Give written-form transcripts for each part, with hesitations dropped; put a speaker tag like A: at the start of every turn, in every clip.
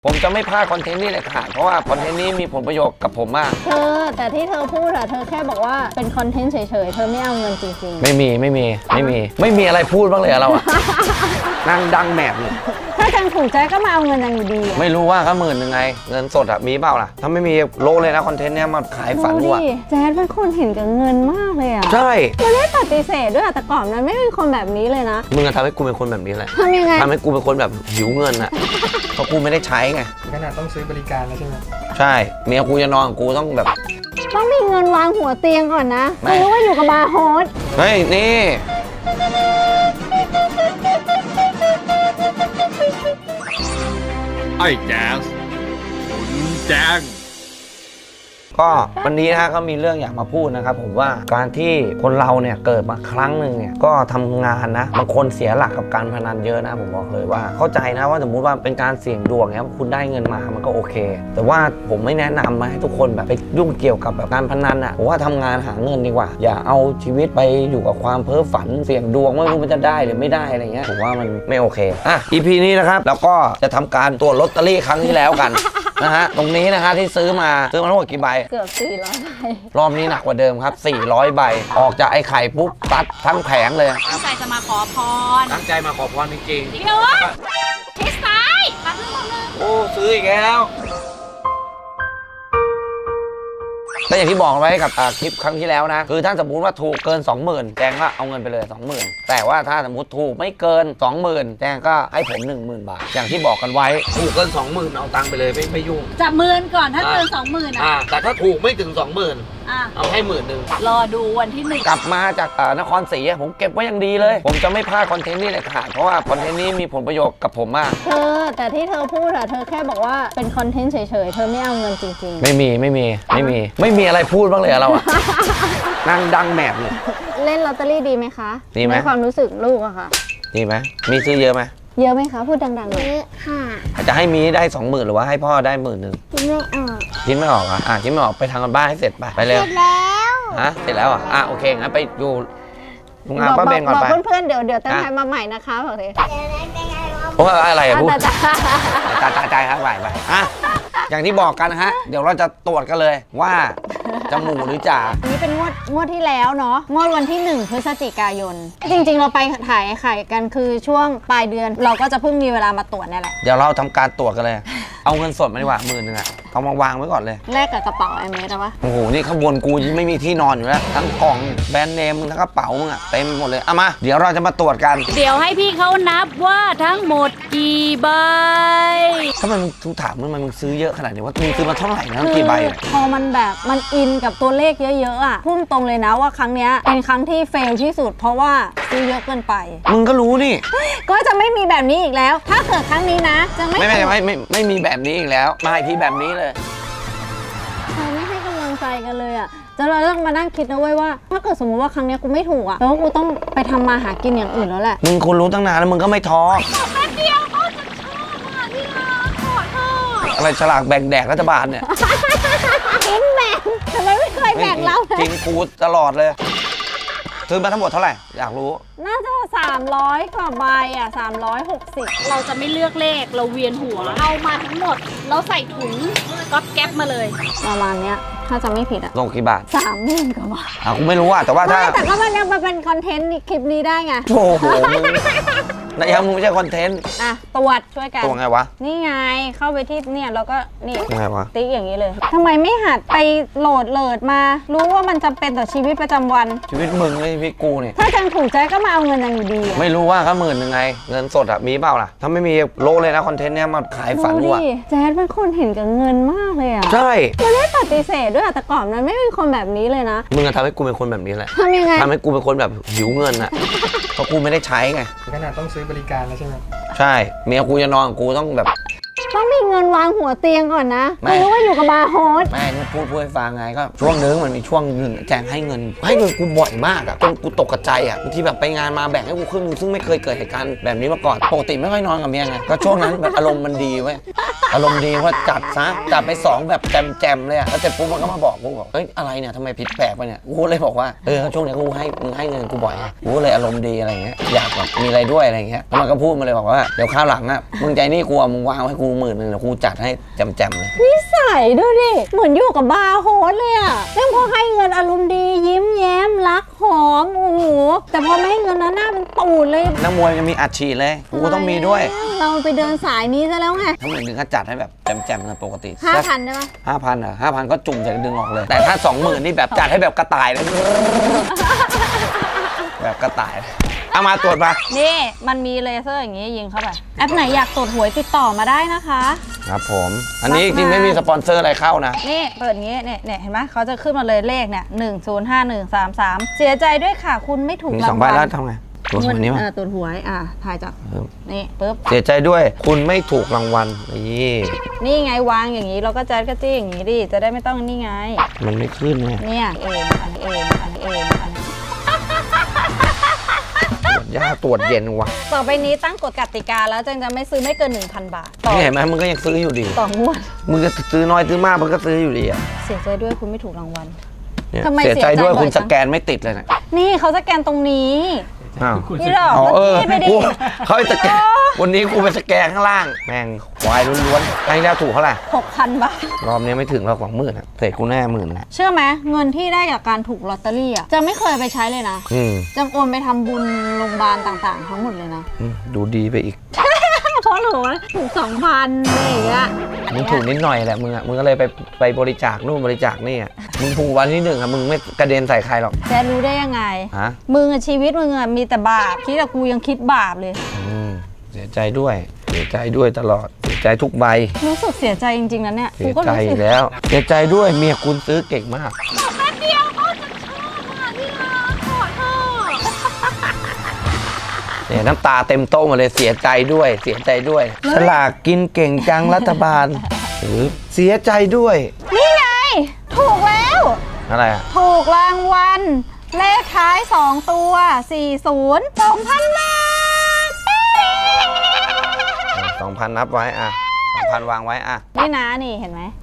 A: ผมจะไม่พลาดคอนเทนต์นี้เลยค่ะเพราะว่าคอนเทนต์นี้มีผลประโยชน์กับผมมาก
B: แต่ที่เธอพูดอะเธอแค่บอกว่าเป็นคอนเทนต์เฉยๆเธอไม่เอาเงินจริงๆ
A: ไม่มีอะไรพูดบ้างเลยเราอะนั่งดังแมบเลย
B: ถ้าจังถูกใจก็มาเอาเงินจังอยู่ดี
A: ไม่รู้ว่าก็10,000ไงเงินสดอะมีเปล่าล่ะถ้าไม่มีโลเลยนะคอนเทนต์เนี้ยมาขายฝันว่ะ
B: แจ๊ดเป็นคนเห็นกับเงินมากเลยอะ
A: ใช่
B: มันไม่ปฏิเสธด้วยแต่ก่อนมันไม่เป็นคนแบบนี้เลยนะ
A: มึงทำให้กูเป็นคนแบบนี้เลย
B: ทำยังไง
A: ทำให้กูเป็นคนแบบหิวเงินอะเพราะกูไม่ได้ใช้ไง
C: ขนาดต้องซื้อบริการแล้วใช่ไหม
A: ใช่เมียกูจะนอนกูต้องแบบ
B: ต้องมีเงินวางหัวเตียงก่อนนะไม่รู้ว่าอยู่กับบาร์โฮส
A: เฮ้ยนี่
D: ไอ้แจ๊สคุณแจ้ง
A: ก็วันนี้นะก็มีเรื่องอยากมาพูดนะครับผมว่าการที่คนเราเนี่ยเกิดมาครั้งหนึ่งเนี่ยก็ทำงานนะบางคนเสียหลักกับการพนันเยอะนะผมบอกเลยว่าเข้าใจนะว่าสมมุติว่าเป็นการเสี่ยงดวงเนี่ยคุณได้เงินมามันก็โอเคแต่ว่าผมไม่แนะนำให้ทุกคนแบบไปยุ่งเกี่ยวกับแบบการพนันอ่ะผมว่าทำงานหาเงินดีกว่าอย่าเอาชีวิตไปอยู่กับความเพ้อฝันเสี่ยงดวงไม่รู้มันจะได้หรือไม่ได้อะไรเงี้ยผมว่ามันไม่โอเคอ่ะ EP นี้นะครับแล้วก็จะทำการตรวจลอตเตอรี่ครั้งที่แล้วกันนะฮะตรงนี้นะฮะที่ซื้อมาทั้งหมดกี่ใบ
B: เกือบ400 ใบ
A: รอบนี้หนักกว่าเดิมครับ400 ใบออกจากไอ้ไข่ปุ๊บตัดทั้งแผงเลย
E: ตั้งใจจะมาขอพร
A: ตั้งใจมาขอพรจริง
E: ๆพี่นุ้ยชิดซ้ายมาขึ้นมาเลย
A: โอ้ซื้ออีกแล้วก็อย่างที่บอกไว้กับคลิปครั้งที่แล้วนะคือถ้าสมมติว่าถูกเกิน 20,000แจงก็เอาเงินไปเลย 20,000แต่ว่าถ้าสมมติถูกไม่เกิน 20,000แจงก็ให้ผม 10,000 บาทอย่างที่บอกกันไว้ถูกเกิน 20,000เอาตังค์ไปเลยไม่ยุ่ง
E: จับ10,000ก่อนถ้าเกิน 20,000
A: แต่ถ้าถูกไม่ถึง 20,000เอาให้10,000
E: รอดูวันที่1
A: กลับมาจากนครศรีผมเก็บไว้อย่างดีเลยผมจะไม่พลาดคอนเทนต์นี้เลยค่ะเพราะว่าคอนเทนต์นี้มีผลประโยชน์กับผมมาก
B: แต่ที่เธอพูดอะเธอแค่บอกว่าเป็นคอนเทนต์เฉยๆเธอไม่เอาเงินจริงๆ
A: ไม่มีอะไรพูดบ้างเลยเราอะนั่งดังแมบเลย
B: เล่นลอตเตอรี่ดีไหมคะ
A: ดีไหม
B: ในความรู้สึกลูกอะค่ะ
A: ดีไหมมีซื้อเยอะไหม
B: เยอะไหมคะพูดดังๆเลย
F: ค่ะ
A: จะให้มีได้ 20,000หรือว่าให้พ่อได้10,000คิดไม่ออกคิดไม่ออกไปทางกันบ้านให้เสร็จไปเร็ว
F: เสร็จแล้ว
A: เสร็จแล้วโอเคงั้นไปอยู่ลุงอาป้าเบนก่อนไป
B: เพื่อนๆเดี๋ยวตั้งใจมาใหม่นะคะบอกเลย
A: โอ้อะไรพูดตายครับไปอย่างที่บอกกันนะฮะเดี๋ยวเราจะตรวจกันเลยว่าจะหมูหรือจ่า
B: นี่เป็นงวดที่แล้วเนาะงวดวันที่1 พฤศจิกายนจริงๆเราไปถ่ายไข่กันคือช่วงปลายเดือนเราก็จะเพิ่งมีเวลามาตรวจนี่แหละ
A: เดี๋ยวเราทำการตรวจกันเลยเอาเงินสดมาดีกว่า10,000เอามาวางไว้ก่อนเลย
B: แลกกับกระเป๋าไอเมสอะวะ
A: โอ้โหนี่ข้างบนกูไม่มีที่นอนอยู่แล้วทั้งกล่องแบรนด์เนมทั้งกระเป๋ามึงเต็มหมดเลยมาเดี๋ยวเราจะมาตรวจกัน
E: เดี๋ยวให้พี่เขานับว่าทั้งหมดกี่ใบ
A: ทำไมมึงถามมึงซื้อเยอะขนาดนี้ว่ามึงซื้อมาเท่าไหร่นะกี่ใบ
B: พอมันแบบมันอินกับตัวเลขเยอะๆอะพุ่งตรงเลยนะว่าครั้งนี้เป็นครั้งที่เฟลที่สุดเพราะว่าซื้อเยอะเกินไป
A: มึงก็รู้นี่
B: ก็จะไม่มีแบบนี้อีกแล้วถ้าเกิดครั้งนี้นะจะ
A: ไม่มีแบบนี้อีกแล้วมาอีกทีแบบนี้เลย
B: ไม่ให้กำลังใจกันเลยอ่ะจะเราต้องมานั่งคิดนะเว้ยว่าถ้าเกิดสมมติว่าครั้งนี้กูไม่ถูกอ่ะแปลว่ากูต้องไปทำมาหากินอย่างอื่นแล้วแหละ
A: มึงคุณรู้ตั้งนานแล้วมึงก็ไม่ท้อ
E: แป๊บเดียวก็จะชอบที่รักขอโทษ
A: อะไรฉลากแบ่งแดกรัฐบาลเนี่ย
B: กินแบ่งทำไมไม่เคยแบ่งเราเลย
A: กินกูตลอดเลยซื้อมาทั้งหมดเท่าไหร่อยากรู้
B: น่าจะ300 กว่าใบอ่ะ360
E: เราจะไม่เลือกเลขเราเวียนหัวเอามาทั้งหมดเราใส่ถุงก๊อบแก๊บมาเลย
B: ประมาณเนี้ยถ้าจะไม่ผิดอ่ะ
A: ลงกี่บาท
B: 30,000 กว่าบาท
A: กูไม่รู้แต่ว่าถ้า
B: แต่ก็มันยังมาเป็นคอนเทนต์คลิปนี้ได้ไง
A: โอ้โหนายยังมึงไม่ใช่คอนเทนต์
B: ตรวจช่วยกัน
A: ตรวจไงวะ
B: นี่ไงเข้าไปที่เนี่ยแล้วก็นี่
A: ไงวะ
B: ติ๊กอย่างนี้เลยทำไมไม่หัดไปโหลดมารู้ว่ามันจำเป็นต่อชีวิตประจำวัน
A: ชีวิตมึงไม่ชีวิตกูนี่
B: ถ้าจังถูกใจก็มาเอาเงินจังอยู่ดี
A: ไม่รู้ว่าก็10,000ไงเงินสดมีเปล่าล่ะถ้าไม่มีโลเลยนะคอนเทนต์เนี้ยมาขายฝันว่ะ
B: แจ๊ดเป็นคนเห็นกับเงินมากเลยอ่ะ
A: ใช่
B: มันไม่ปฏิเสธด้วยแต่ก่อนมันไม่เป็นคนแบบนี้เลยนะ
A: มึงทำให้กูเป็นคนแบบนี้แหละ
B: ทำยังไง
A: ทำให้กูเป็นคนแบบหิวเงินเพราะกูไม่ได้ใช้ไง
C: ขนาดต้องซื้อบริการแล้วใช่ไหม
A: ใช่เมียกูจะนอนกูต้องแบบ
B: ต้องมีเงินวางหัวเตียงก่อนนะไม่รู้ว่าอยู่กับบาร์โฮส
A: ไม่นี่พูดให้ฟังไงก็ช่วงนึงมันมีช่วงนึงแจงให้เงินกูบ่อยมากจนกูตกกระใจบางทีแบบไปงานมาแบ่งให้กูครึ่งนึงซึ่งไม่เคยเกิดเหตุการณ์แบบนี้มาก่อนปกติไม่ค่อยนอนกับเมียไงก็ช่วงนั้นแบบอารมณ์มันดีเว้ยอารมณ์ดีว่าจัดไป2แบบแจมเลยแล้วเสร็จปุ๊บมันก็มาบอกกูบอกเฮ้ยอะไรเนี่ยทำไมผิดแปลกไปเนี่ยกูเลยบอกว่าช่วงนี้มึงให้เงินกูบ่อยกูเลยอารมณ์ดีอะไรเงี้ยอยากแบบมีอะไรด้วยอะไรเงี้ยมันก็พูดมาเลยบอกว่าเดี๋ยวข้าวหลังมึงใจนี่กูมึงวางให้กู10,000เดี๋ยวครูจัดให้แจมๆเลย
B: นิสัยดูดิ เหมือนอยู่กับบาร์โฮสเลยอะเรื่องพอให้เงินอารมณ์ดียิ้มแย้มรักหอมโอ้โหแต่พอไม่ให้เงินนะหน้าเป็นตูดเลย
A: นักมวยจะมีอัดฉีดเลยกูก็ต้องมีด้วย
B: เราไปเดินสายนี้ซะแล้วไง
A: ทั้งหมดถึงก็จัดให้แบบแจมๆเลยปกติ
B: 5,000ได้ปะ
A: 5,000เหรอ5,000ก็จุ่มใส่ดึงออกเลย แต่ถ้า 20,000นี่แบบจัดให้แบบกระต่ายเลย แบบกระต่ายเลยเอามาตรวจมา
B: นี่มันมีเลเซอร์อย่างงี้ยิงเข้าไปแอปไหนอยากตรวจหวยติดต่อมาได้นะคะ
A: ครับผม อันนี้จริงๆไม่มีสปอนเซอร์อะไรเข้านะ
B: นี่เปิดอย่างงี้เนี่ยเห็นไหมเขาจะขึ้นมาเลยเลขเนี่ย105133เสียใจด้วยค่ะคุณไม่ถูก
A: มี
B: รา
A: 2
B: ง
A: ใบ
B: วัล
A: แล้วทำไงตรวจวันนี้มา
B: ตรวจหวยถ่ายจาก นี่ปึ๊บ
A: เสียใจด้วยคุณไม่ถูกรางวัลนี่
B: นี่ไงวางอย่างนี้เราก็แจ๊ดกระจี้อย่างนี้ดิจะได้ไม่ต้องนี่ไง
A: มันไม่ขึ้นไง
B: เนี่ยอันนี้
A: ตรวจยากตรวจเย็นวะ
B: ต่อไปนี้ตั้งกฎกติกาแล้วจังจะไม่ซื้อไม่เกิน 1,000 บาทต่อ
A: นี่เห็นไหมมึงก็ยังซื้ออยู่ดี
B: ต่องวด
A: มึงจะซื้อน้อยซื้อมากมึงก็ซื้ออยู่ดีอ่ะ
B: เสียใจด้วยคุณไม่ถูกรางวัล
A: เนี่ย
B: ทำไม
A: เสียใจด้วย
B: เสียใจบ่อย
A: คุณ
B: จั
A: ส
B: ง
A: แกนไม่ติดเลยนะ
B: นี่เขาสแกนตรงนี้
A: อ้าว
B: พี่ดอก
A: อ๋อ
B: เมื่อกี้ไปดิ
A: กูเขาให้สแกนวันนี้กูไปสแกนข้างล่าง แม่งควายล้วนๆครั้งที่แล้วถูกเท่าไหร่
B: 6,000 บาท
A: รอบนี้ไม่ถึงเราของ10,000อ่ะเสร็จกูแน่10,000นะ
B: เชื่อไหมเงินที่ได้จากการถูกลอตเตอรี่อ่ะจะไม่เคยไปใช้เลยนะ จังโอนไปทำบุญโรงพยาบาลต่างๆ ทั้งหมดเลยนะ
A: ดูดีไปอีก
B: เพราะหนูถูก 2,000อะไรอย่างเงี้ย
A: มึงถูกนิดหน่อยแหละมึงอ่ะมึงก็เลยไปบริจาคนู่นบริจาคนี่อ่ะมึงถูกวันที่1อ่ะมึงไม่กระเด็นใส่ใครหรอก
B: แกรู้ได้ยังไง
A: ฮะ
B: มึงอะชีวิตมึงอะมีแต่บาปคิดแต่กูยังคิดบาปเลย
A: เสียใจด้วยเสียใจด้วยตลอดเสียใจทุกใบ
B: รู้สึกเสียใจจริงๆนะเนี่ย
A: เสี
B: กู
A: ย
B: ก็
A: ใจ
B: รู้สึก
A: แล้วเสียใจด้วยเมียคุณซื้อเก่งมาก
E: แป๊บเดียวเขาจะชอบที่รักขอโทษ
A: เนี่ยน้ำตาเต็มโต๊ะหมดเลยเสียใจด้วยเสียใจด้วยฉลากกินเก่งจังรัฐบาลหรือเสียใจด้วย
B: นี่ไง ถูกแล้ว
A: อะไรอ่ะ
B: ถูกรางวัลเลขท้าย 2 ตัว 40 2,000 บาท
A: 2,000 นับไว้อ่ะ 2,000 วางไว้อ่ะ
B: นี่นะนี่เห็นไหม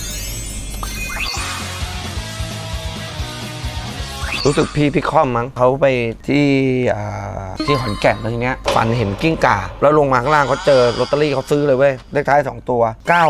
A: รู้สึกพี่คอมมั้งเขาไปที่ขอนแก่นแล้วทีเนี้ยฝันเห็นกิ้งก่า แล้วลงมาข้างล่างเขาเจอลอตเตอรี่เขาซื้อเลยเว้ยเลขท้าย 2 ตัว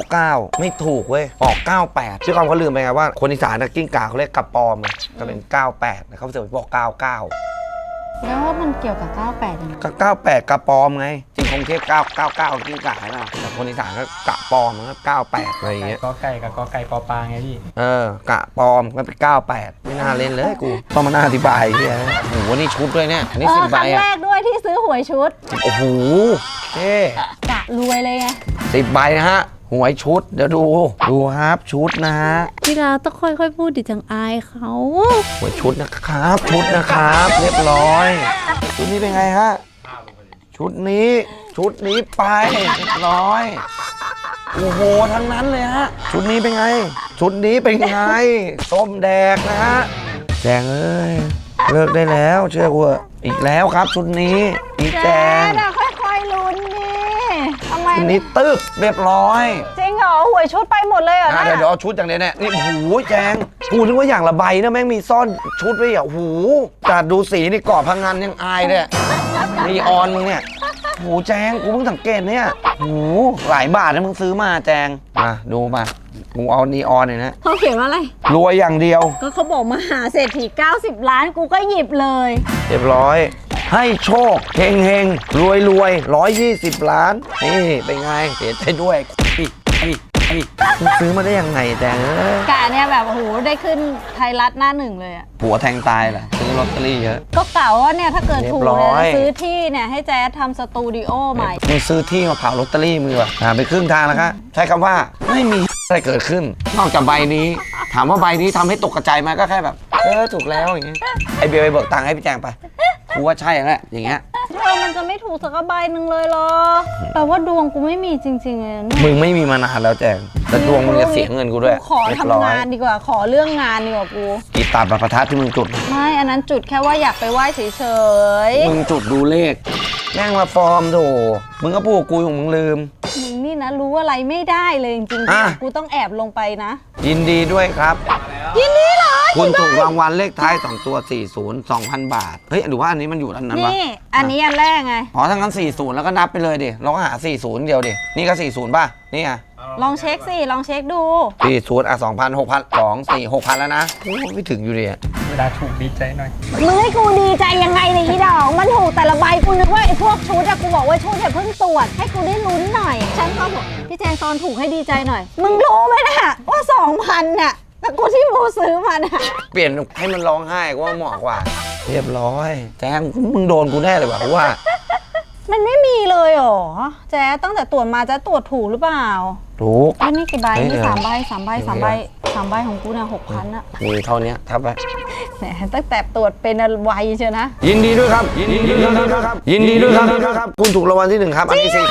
A: 99 ไม่ถูกเว้ยออก 98พี่คอมเขาลืมไปไงว่าคนอีสานนะกิ้งก่าเขาเรียกกระปอมเลยก็เป็น 98แต่เขาเสือกไปบอก 99
B: แล้วว่ามันเกี่ยวกับ 98ยังไง
A: ก็98กระปอมไงจริงคงเทพ999กิ้งก่าใช่ป่ะแต่คนอีสานก็กระปอมมันก็98อะไรอย่างเงี้ย
C: กอไก่กับกอไก่ปอปลาไงพี่
A: กะปอมก็เป็น98ไม่น่าเล่นเลยกูต้องมาน่าอธิบายเฮียโอ้โหนี่ชุดด้วยเนี่ยนี่10
B: ค
A: ใบ
B: รั้ง
A: อ่ะ
B: แรกด้วยที่ซื้อหวยชุด
A: โอ้โหเท่
B: กะรวยเลยไง
A: 10 ใบนะฮะหวยชุดเดี๋ยวดูครับชุดนะฮะ
B: พี่ดาต้องค่อยๆพูดดิจังอายเขา
A: หวยชุดนะครับชุดนะครับเรียบร้อยชุดนี้เป็นไงฮะชุดนี้ไปเรียบร้อยโอ้โหทั้งนั้นเลยฮะชุดนี้เป็นไงชุดนี้เป็นไงส้มแดกนะฮะแจงเอ้ยเลิกได้แล้วเชื่อกูเถอะอีกแล้วครับชุดนี้อีแจง
B: อะค่อยๆลุ้นดิทำไม
A: ชุดนี้ตึกเรียบร้อย
B: จริงเหรอหวยชุดไปหมดเลยเหรอ
A: เดี๋ยวเอาชุดอย่างเนี้ยเนี่ยนี่โอ้โหแจงกูนึกว่าอย่างละใบนะแม่งมีซ่อนชุดไว้อ่ะโอ้โหจัดดูสีนี่กรอบพังงานยังอายเลยนีออนมึงเนี่ยโอ้โหแจงกูเพิ่งสังเกตเนี่ยโอ้โหหลายบาทนะมึงซื้อมาแจงมาดูมากูเอานีออนเนี่ยนะ
B: เขาเขียนว่าอะไร
A: รวยอย่างเดียว
B: ก็เขาบอกมหาเศรษฐี90 ล้านกูก็หยิบเลย
A: เรียบร้อยให้โชคเฮงเฮงรวยรวย120 ล้านนี่เป็นไงเสียใจด้วยมึงซื้อมาได้ยังไงแจงเอ้ย
B: กะเนี่ยแบบโอ้โหได้ขึ้นไทยรัฐหน้าหนึ่งเลยอะ
A: ผัวแทงตายเหรอซื้อลอตเตอรี่เยอะ
B: ก็เก่าว่าเนี่ยถ้าเกิดถูก
A: เรียบร้
B: เนี่
A: อย
B: ยซื้อที่เนี่ยให้แจ๊ดทำสตูดิโอใหม่
A: มึงซื้อที่มาเผาลอตเตอรี่มือว่ะไปครึ่งทางแล้วครับใช้คำว่าไม่มีอะไรเกิดขึ้น นอกจากใบนี้ ถามว่าใบนี้ทำให้ตกกระจายไหมก็แค่แบบถูกแล้วอย่างเงี้ยไอเบียร์ไปเบิกตังค์ให้พี่แจงไปกูว่าใช่แล้วอย่างเงี้ย
B: มันจะไม่ถูกสักใบหนึ่งเลยเหรอแปลว่าดวงกูไม่มีจริงๆเลยเนี่ย
A: มึงไม่มีมานานแล้วแจงแต่ดวงมึงจะเสียเงินกูด้วย
B: ขอทำงานดีกว่าขอเรื่องงานดีกว่ากู
A: กีตาร์ประทัดที่มึงจุด
B: ไม่อันนั้นจุดแค่ว่าอยากไปไหว้เฉย
A: มึงจุดดูเลขแม่งมาฟอร์มโถมึงก็พูดกับกูของมึงลืม
B: ๆมึงนี่นะรู้อะไรไม่ได้เลยจริง
A: อ่ะ
B: ๆกูต้องแอบลงไปนะ
A: ยินดีด้วยครับ
B: ยินดีเหรอ
A: คุณถูกรางวัลเลขท้าย2 ตัว 40 2,000 บาทเฮ้ยหรือว่าอันนี้มันอยู่อันนั้นวะ
B: นี่อันนี้อันแรกไง
A: อ๋อทั้งนั้น40แล้วก็นับไปเลยดิเราก็หา40เดียวดินี่ก็40ป่ะนี่ไง
B: ลองเช็คสิลองเช็คดู
A: พี่สูตร2,000 6,000 2 4 6,000แล้วนะโอ้ไม่ถึงอยู่ดีอะ
C: เวลาถูกดีใจหน่อย
B: มึงให้กูดีใจยังไงเนี่ยอีดอกมันถูกแต่ละใบกูนึกว่าไอ้พวกชุดอะกูบอกว่าชุดอย่าเพิ่งตรวจให้กูได้ลุ้นหน่อยฉันก็บอกพี่แจงตอนถูกให้ดีใจหน่อยมึงรู้ไหมน่ะว่า 2,000น่ะแต่กูที่มูซื้อมาน่ะ
A: เปลี่ยนให้มันร้องไห้ก็ว่าเหมาะกว่า เรียบร้อยแจ้งมึงโดนกูแน่เลยว่ะเพราะว่า
B: มันไม่มีเลยเหรอแจ๊ตั้งแต่ตรวจมาจะตรวจถูกหรือเปล่า
A: ถูก
B: ไอ้นี่กี่ใบ
A: เฮ้ย
B: นี่
A: เดี๋ยว
B: 3 ใบ 3 ใบ 3 ใบ 3 ใบของกูเนี่ย6,000อะ
A: มีเท่านี้ทับไป
B: แหมตั้งแต่ตรวจเป็นไวเชียวนะ
A: ยินดีด้วยครับ ยินดีด้วยครับยินดีด้วยครับคุณถูกรางวัลที่ 1 ครับ อันนี้4 0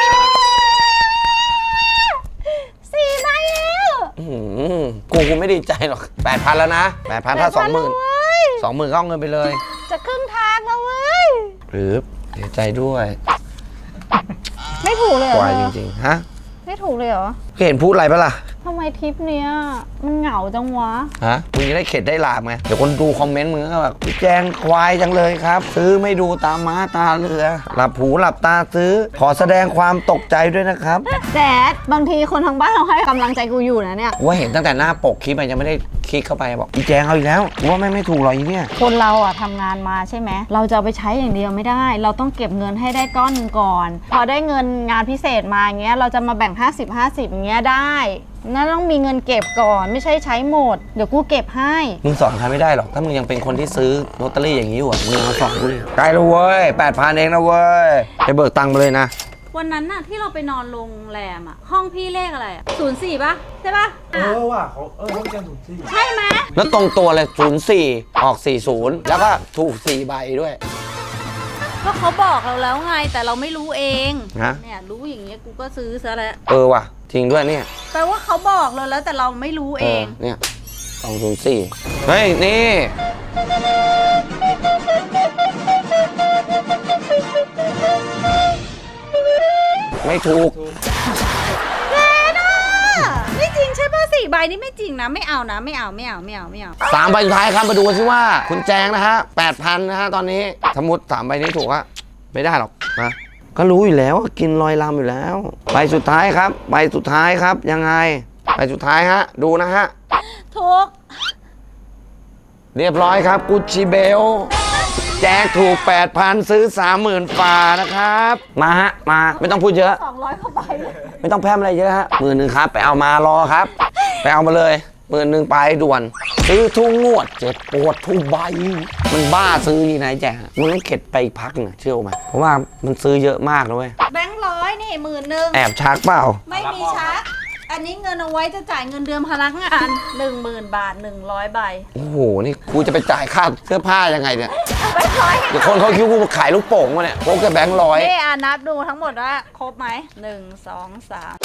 B: 4 ใบแล้ว
A: กูไม่ดีใจหรอก 8,000 แล้วนะ 8,000 ถ้า 20,000 20,000ก็เอาเงินไปเลย
B: จะครึ่งทางแล้วเว้ย
A: หรือเสียใจด้วย
B: ไม่ถูกเลยเหร
A: ค
B: อ
A: วาย
B: เธ
A: จ
B: อ
A: ริงๆฮะ
B: ไม่ถูกเลยเหรอ
A: เห็นพูดอะไรปะล่ะ
B: ทำไมทริปเนี้ยมันเหงาจังวะ
A: ฮะมึงจะได้เข็ดได้หลาบไงเดี๋ยวคนดูคอมเมนต์มึงก็แบบแจงควายจังเลยครับ ซื้อไม่ดูตามม้าตาเรือ หลับหูหลับตาซื้อ ขอแสดงความตกใจด้วยนะครับ
B: แจ๊ดบางทีคนทางบ้านเราให้กำลังใจกูอยู่นะเนี่ย
A: ว่าเห็นตั้งแต่หน้าปกคลิปมันยังไม่ได้คลิกเข้าไปบอกอีแจงเอาอีกแล้วกูว่าไม่ถูกหรอกอีเนี่ย
B: คนเราอะทำงานมาใช่ไหม เราจะเอาไปใช้อย่างเดียวไม่ได้ เราต้องเก็บเงินให้ได้ก้อนหนึ่งก่อน พอได้เงินงานพิเศษมาอย่างเงี้ย เราจะมาแบ่ง 50-50 อย่างเงี้ยได้นั่นต้องมีเงินเก็บก่อน ไม่ใช่ใช้หมด เดี๋ยวกูเก็บให้
A: มึงสอนใครไม่ได้หรอกถ้ามึงยังเป็นคนที่ซื้อลอตเตอรี่อย่างนี้อยู่อะมึงมาสอนกูดิใกล้แล้วเว้ย8,000 เองนะเว้ยไปเบิกตังค์มาเลยนะ
E: วันนั้นน่ะที่เราไปนอนโรงแรมอ่ะ ห้องพี่เลขอะไรอ่ะ04ป่ะ ใช่ป่ะ
C: ว่ะเขาเขาเจอถูกที่
E: ใช่ไหม
A: แล้วตรงตัวเลย04ออก40แล้วก็ถูก4ใบด้วย
E: ก็เขาบอกเราแล้วไงแต่เราไม่รู้เอง
A: ฮะ
E: เนี่ยรู้อย่างเงี้ยกูก็ซื้อซะแล้ว
A: ว่ะจริงด้วยเนี่ย
E: แปลว่าเขาบอกเราแล้วแต่เราไม่รู้เอง
A: เนี่ย204เฮ้ยนี่ไม่ถูก
E: ไม่จริงใช่ป่ะ4ใบนี่ไม่จริงนะไม่เอานะไม่เอา
A: 3 ใบสุดท้ายครับมาดูกันสิว่า คุณแจงนะฮะ 8,000 นะฮะตอนนี้สมมติ3 ใบนี้ถูกอะไม่ได้หรอกนะก็รู้อยู่แล้วว่ากินลอยลำอยู่แล้ว ใบสุดท้ายครับ ใบสุดท้ายครับยังไงใบสุดท้ายฮะดูนะฮะ
E: ทุก
A: เรียบร้อยครับกุชชี่เบลแจกถูก 8,000 ซื้อ 30,000 ฝ่านะครับ มาฮะ มาไม่ต้องพูดเยอะ
E: 200กว่าใบ
A: ไม่ต้องแพร่มอะไรเยอะฮะ10,000ครับ ไปเอามารอครับ ไปเอามาเลย10,000ไปด่วน ซื้อทุกงวดเจ็บปวดทุกใบ มันบ้าซื้อนี่นายแจกมันต้องเข็ดไปอีกพักหนึงอะเชื่อไหมเพราะว่ามันซื้อเยอะมากนะเว้ย
E: แบงค์ร้อยนี่10,000
A: แอบชักเปล่า
E: ไม่มีชักอันนี้เงินเอาไว้จะจ่ายเงินเดือนพนักงาน 10,000 บาท100 ใบ
A: โอ้โห นี่กูจะไปจ่ายค่าเสื้อผ้ายังไงเนี่ย
E: แบงค์ร้อย
A: เดี๋ยวคนเขาคิดว่ากูขายลูกโป่งมาเนี่ยพกแต่แบงค์ร้อย
E: นี่นับดูทั้งหมดว่าครบไหม1 2 3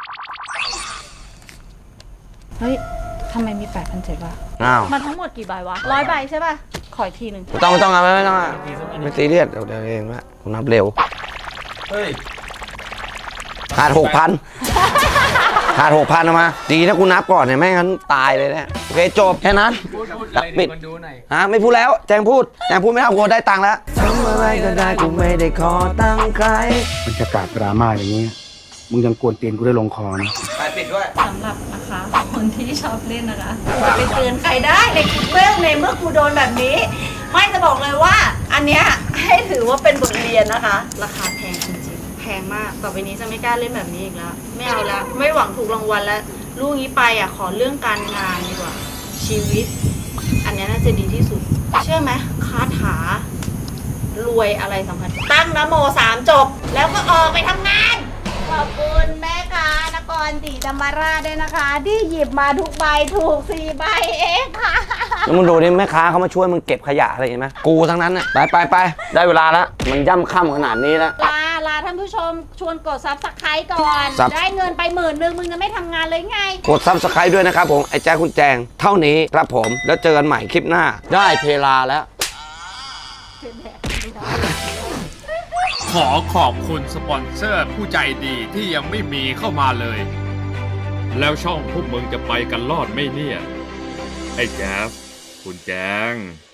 E: เฮ้ยทำไมมี 8,700วะ
A: อ้าว
E: มันทั้งหมดกี่ใบวะ100 ใบใช่ป่ะ ขออีกทีหนึ่ง
A: ไม่ต้องเอาไม่ต้องอะไม่ซีเรียสเดี๋ยวเองละผมนับเร็ว
C: เฮ้ย
A: ขาด 6,000ขาด 6,000เอามาดีนะกูนับก่อนเนี่ยไม่งั้นตายเลยเนี่ยโอเคจบแค่นั้น
C: พูดอะไร
A: ปิด
C: มันดูหน่อย
A: ฮะไม่พูดแล้วแจงพูดไม่เอากูได้ตังค์แล้วทำอะไรก็ได้กูไม่ได้ขอตังค์ใคร
F: บรรยากาศดราม่าอย่างนี้ มึงยังกวนตีนกูได้ลงคอนะ
A: ไปปิดด้วย
E: สำหรับนะคะคนที่ชอบเล่นนะคะอย่าไปเตือนใครได้ในคลิปเรื่องในเมื่อกูโดนแบบนี้ ไม่จะบอกเลยว่า อันเนี้ยให้ถือว่าเป็นบทเรียนนะคะ ราคาแพงจริงๆแพงมากต่อไปนี้จะไม่กล้าเล่นแบบนี้อีกแล้วไม่เอาแล้วไม่หวังถูกรางวัลแล้วลูกนี้ไปอ่ะขอเรื่องการงานดีกว่าชีวิต อันเนี้ยน่าจะดีที่สุด เชื่อไหมคาถารวยอะไรสำคัญตั้งนะโม3 จบ แล้วก็ออกไปทำงาน ขอบคุณแม่ค้านครศรีธรรมราชด้วยนะคะ ที่หยิบมาทุกใบถูก4 ใบเองค่ะ
A: แล้วมึงดูนี่แม่ค้าเขามาช่วยมึงเก็บขยะอะไรเห็นไหมกูทั้งนั้นน่ะไปได้เวลาแล้วมันย่ำค่ำขนาดนี้แล้ว
E: ลาท่านผู้ชมชวนกดซับสไครต์ก่อน
A: ซับ
E: ได้เงินไป10,000มึงจะไม่ทำงานเลยไง
A: กดซับสไครต์ด้วยนะครับผมไอ้แจ๊คคุณแจงเท่านี้ครับผมแล้วเจอกันใหม่คลิปหน้าได้เพลาแล้ว
D: ขอขอบคุณสปอนเซอร์ผู้ใจดีที่ยังไม่มีเข้ามาเลย แล้วช่องพวกมึงจะไปกันรอดไหมเนี่ย ไอ้แจ๊สคุณแจง